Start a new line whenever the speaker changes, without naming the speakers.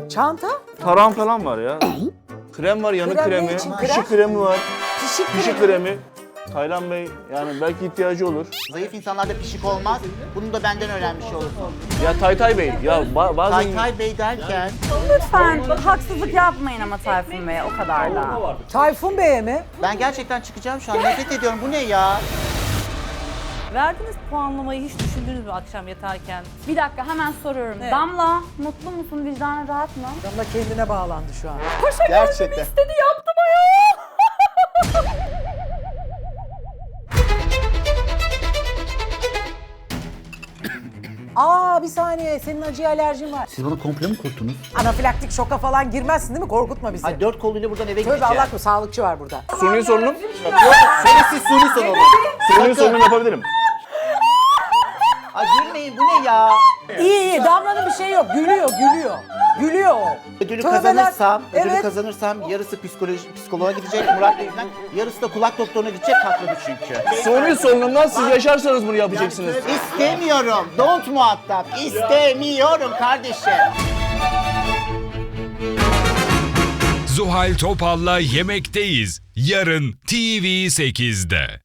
Çanta?
Taran falan var ya. Krem var, yanık
Krem ne
kremi.
için?
Pişik
Krem?
kremi var.
Pişik
Pişik kremi. Taylan Bey yani belki ihtiyacı olur.
Zayıf insanlarda pişik olmaz. Bunu da benden öğrenmiş olursun.
Ya Taytay Bey ya bazen...
Taytay Bey derken
Lütfen haksızlık yapmayın ama Tayfun Bey'e o kadar da.
Tayfun Bey'e mi?
ben gerçekten çıkacağım şu an. Nefret ediyorum. Bu ne ya?
Verdiğiniz puanlamayı hiç düşündünüz mü akşam yatarken?
Bir dakika hemen soruyorum. Damla mutlu musun? Vicdanın rahat mı?
Damla kendine bağlandı şu an.
Gerçekten.
İstedi yaptım ayol.
Aa bir saniye senin acıya alerjin var.
Siz bana komple mi kurttunuz?
Anafilaktik şoka falan girmezsin değil mi? Korkutma bizi.
Ay 4 koluyla buradan eve
Tövbe
gideceğim.
Allah korusun sağlıkçı var burada.
Suni sorunum.
Şerefsiz suni salonu.
Suni sorunum yapabilirim.
Ay gülmeyin bu ne ya?
İyi iyi Damla'nın bir şey yok. Gülüyor gülüyor. Gülüyor o.
Ödülü
Tövbeler.
ödülü kazanırsam yarısı psikoloğa gidecek Murat Bey'den, yarısı da kulak doktoruna gidecek haklıdır çünkü.
Suni sorunumdan siz yaşarsanız bunu yapacaksınız.
İstemiyorum. Don't muhatap. İstemiyorum kardeşim.
Zuhal Topal'la Yemekteyiz. Yarın TV8'de.